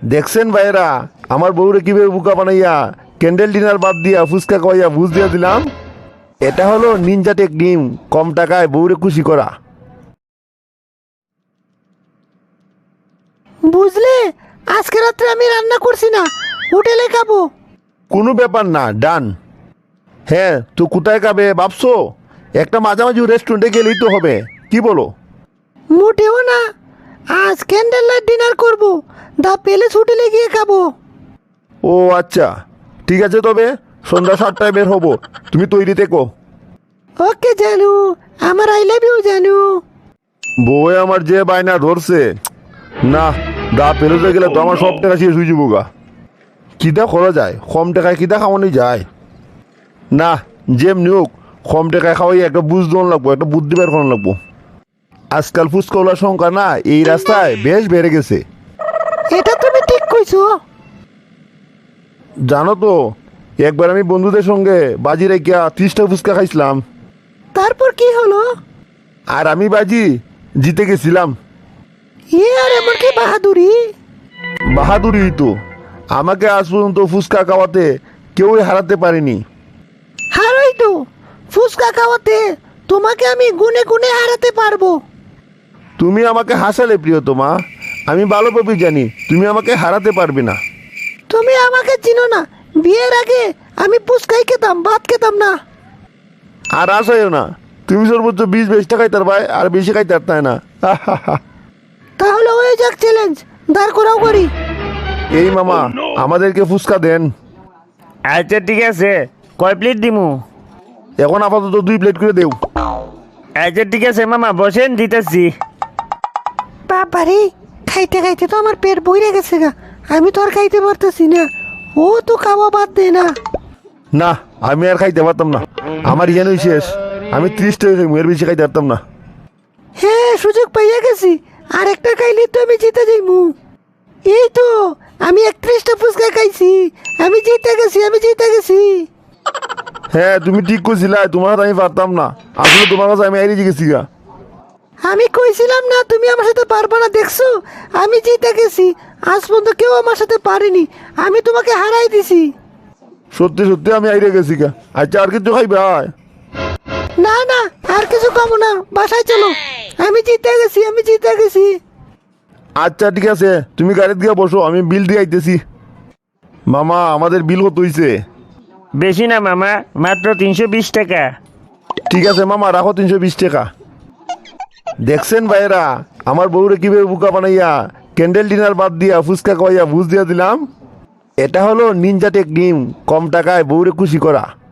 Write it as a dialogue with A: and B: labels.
A: দেখছেন ভাইরা আমার বউরে কিভাবে বুকা বানাইয়া ক্যান্ডেল ডিনার বাদ দিয়া ফুচকা খাওয়াইয়া বুঝ দিয়া দিলাম। এটা হলো নিনজা টেকনিক, কম টাকায় বউরে খুশি করা।
B: বুঝলে, আজকে রাত্রে আমি রান্না করছি না, হোটেলে খাবো।
A: কোনো ব্যাপার না, ডান। হ্যাঁ, তো কোথায় খাবে ভাবছো? একটা মাঝামাঝি রেস্টুরেন্টে গেলেই তো হবে, কি বলো?
B: মোটেও না, আজ ক্যান্ডেল লাইট ডিনার করবো, দা প্যালেস হোটেলে গিয়ে খাবো।
A: ও আচ্ছা, ঠিক আছে, তবে সন্ধ্যা 7টায় বের হবো, তুমি তৈরি থেকো।
B: ওকে জানু, আমার আই লাভ ইউ জানু।
A: বউয়ে আমার যে বায়না ধরছে, না দা পেরোতে গেলে তো আমার সব টাকা শেষ হয়ে যাবো গা। কিতা করা যায়, কম টাকায় কিতা খাওয়ানো যায় না। যেমনি হোক কম টাকায় খাওয়াই একটা বুঝ দেওয়ান লাগবো, একটা বুদ্ধি বের করানো লাগবো। আজকাল ফুচকাওয়ালার সংখ্যা না এই রাস্তায় বেশ বেড়ে গেছে।
B: এটা তুমি ঠিক কইছো।
A: জানো তো, একবার আমি বন্ধুদের সঙ্গে বাজি রেখে 30টা ফুচকা খাইছিলাম,
B: তারপর কি হলো?
A: আর আমি বাজি জিতে গেছিলাম।
B: আর এমন কি বাহাদুরি!
A: বাহাদুরি তো, আমাকে আজ পর্যন্ত ফুচকা খাওয়াতে কেউই হারাতে পারেনি।
B: হারাই তো, ফুচকা খাওয়াতে তোমাকে আমি গুনে গুনে হারাতে পারবো।
A: তুমি আমাকে হাসালে প্রিয়তমা, আমি ভালোভাবে জানি তুমি আমাকে হারাতে পারবে না।
B: তুমি আমাকে চিনো না, বিয়ের আগে আমি ফুচকাই খেতাম, ভাত খেতাম না।
A: আর আসাইও না, তুমি সর্বোচ্চ 20-22 খাইতার ভাই, আর বেশি খাইতে পারতাই না।
B: তাহলে হয়ে যাক চ্যালেঞ্জ, দাঁড় করাও করি।
A: এই মামা, আমাদেরকে ফুচকা দেন।
C: আচ্ছা ঠিক আছে, কয় প্লেট দিমু?
A: এখন আপাতত 2 প্লেট করে দেও।
C: আচ্ছা ঠিক আছে মামা, বসেন দিতেছি।
B: বাবারে, খাইতে খাইতে তো আমার পেট বইরে গেছে গা, আমি তো আর খাইতে পারতেছি না। ও তো খাওয়া বাদ দে না।
A: না, আমি আর খাইতে পারতাম না, আমার ইয়ানই শেষ। আমি 30টা এর বেশি খাইতে পারতাম না।
B: হ্যাঁ, সুযোগ পাইয়া গেছি, আর একটা খাইলে তো আমি জিতে যাইমু। এই তো, আমি 31টা ফুচকা খাইছি, আমি জিতে গেছি, আমি জিতে গেছি।
A: হ্যাঁ, তুমি ঠিক করছিলা, তোমার হাতে আমি পারতাম না, আসলে তোমার কাছে আমি আইরে গেছি গা।
B: আমি কইছিলাম না তুমি আমার সাথে পারবা না, দেখছো আমি জিতে গেছি। আজ পর্যন্ত কেউ আমার সাথে পারেনি, আমি তোমাকে হারাই দিছি।
A: সত্যি সত্যি আমি আইরে গেছি গা। আচ্ছা, আর কিছু খাইবে?
B: না না, আর কিছু খাবো না, বাসায় চলো, আমি জিতে গেছি, আমি জিতে গেছি।
A: আচ্ছা ঠিক আছে, তুমি গাড়িতে গিয়ে বসো, আমি বিল দিয়ে আইতেছি। মামা, আমাদের বিল কত হইছে?
C: বেশি না মামা, মাত্র 320 টাকা।
A: ঠিক আছে মামা, রাখো 320 টাকা। দেখছেন ভাইরা আমার বউরে কিভাবে বুকা বানাইয়া ক্যান্ডেল ডিনার বাদ দিয়া ফুচকা খাওয়াইয়া বুঝ দিয়া দিলাম। এটা হলো নিনজা টেকনিক, কম টাকায় বউরে খুশি করা।